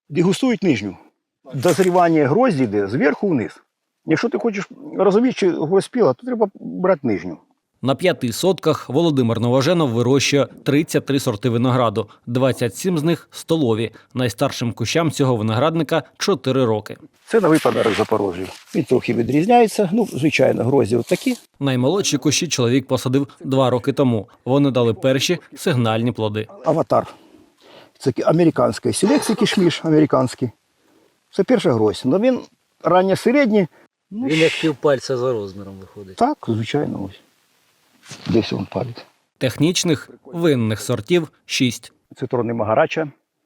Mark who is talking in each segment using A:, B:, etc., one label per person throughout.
A: Дегустують нижню. Дозрівання грозді йде зверху вниз. Якщо ти хочеш розуміти, чи гвоздь спіла, то треба брати нижню.
B: На 5 сотках Володимир Новоженов вирощує 33 сорти винограду, 27 з них – столові. Найстаршим кущам цього виноградника – 4 роки.
A: Це новий подарок Запорожжю. Він трохи відрізняється. Звичайно, грозді отакі.
B: Наймолодші кущі чоловік посадив 2 роки тому. Вони дали перші сигнальні плоди.
A: Аватар. Це американський селекція, кішміш американський. Це перша грозь. Але він ранньо-середній.
C: Він як півпальця за розміром виходить.
A: Так, звичайно, ось. Десь він палить.
B: Технічних винних сортів – 6.
A: Цитрони Магарача,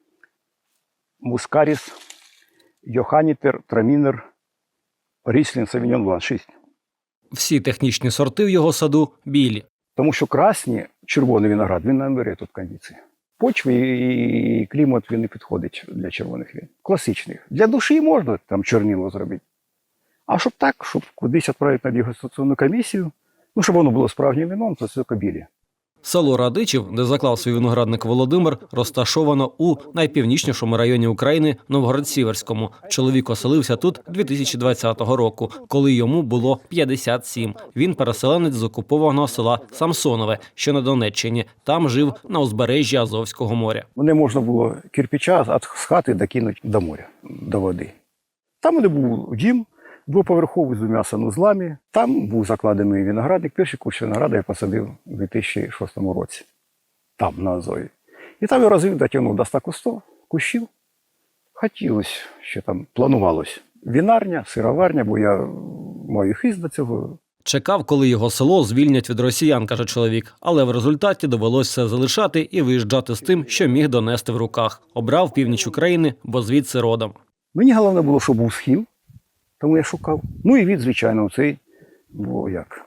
A: Мускаріс, Йоханітер, Трамінер, Ріслін, Савіньон Блан. 6.
B: Всі технічні сорти в його саду – білі.
A: Тому що красні, червоний виноград, він не бере тут кондиції. Почви і клімат він не підходить для червоних вин. Класичних. Для душі можна там чорнило зробити. А щоб так, щоб кудись відправити на дегустаційну комісію, щоб воно було справжнім вином, то це тільки білі.
B: Село Радичів, де заклав свій виноградник Володимир, розташовано у найпівнічнішому районі України – Новгород-Сіверському. Чоловік оселився тут 2020 року, коли йому було 57. Він переселенець з окупованого села Самсонове, що на Донеччині. Там жив на узбережжі Азовського моря.
A: Мене можна було кирпича з хати докинути до моря, до води. Там у мене був дім, двоповерховий з 2 санузлами. Там був закладений виноградник. Перший кущ винограда я посадив у 2006 році. Там, на Азові. І там я розвив, дотягнув до 100 кущів. Хотілося, ще там планувалось. Вінарня, сироварня, бо я маю хист до цього.
B: Чекав, коли його село звільнять від росіян, каже чоловік. Але в результаті довелося все залишати і виїжджати з тим, що міг донести в руках. Обрав північ України, бо звідси родом.
A: Мені головне було, щоб був схил. Тому я шукав. І від, звичайно, цей, бо як.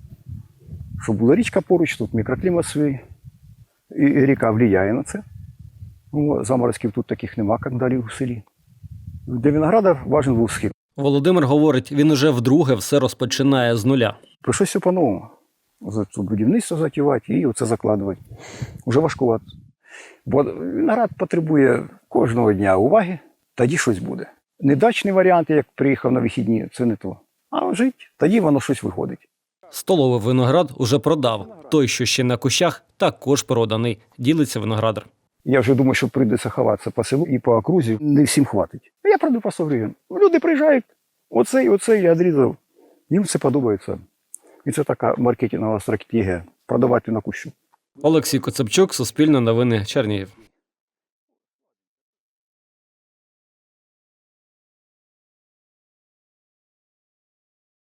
A: Щоб була річка поруч, тут мікроклімат свій. І ріка впливає на це. Заморозків тут таких нема, як далі у селі. Для винограда важен був схил.
B: Володимир говорить, він уже вдруге все розпочинає з нуля.
A: Прийшлося все по-новому. Будівництво затівати і оце закладувати. Уже важкувато. Бо виноград потребує кожного дня уваги, тоді щось буде. Недачний варіант, як приїхав на вихідні, це не то. А жить, тоді воно щось виходить.
B: Столовий виноград уже продав. Той, що ще на кущах, також проданий. Ділиться виноградар.
A: Я вже думаю, що прийдеться ховатися по селу і по окрузі. Не всім хватить. Я продаю по 100 гривень. Люди приїжджають, оцей я відрізав. Їм це подобається. І це така маркетингова стратегія – продавати на кущу.
B: Олексій Коцепчук, Суспільне новини, Чернігів.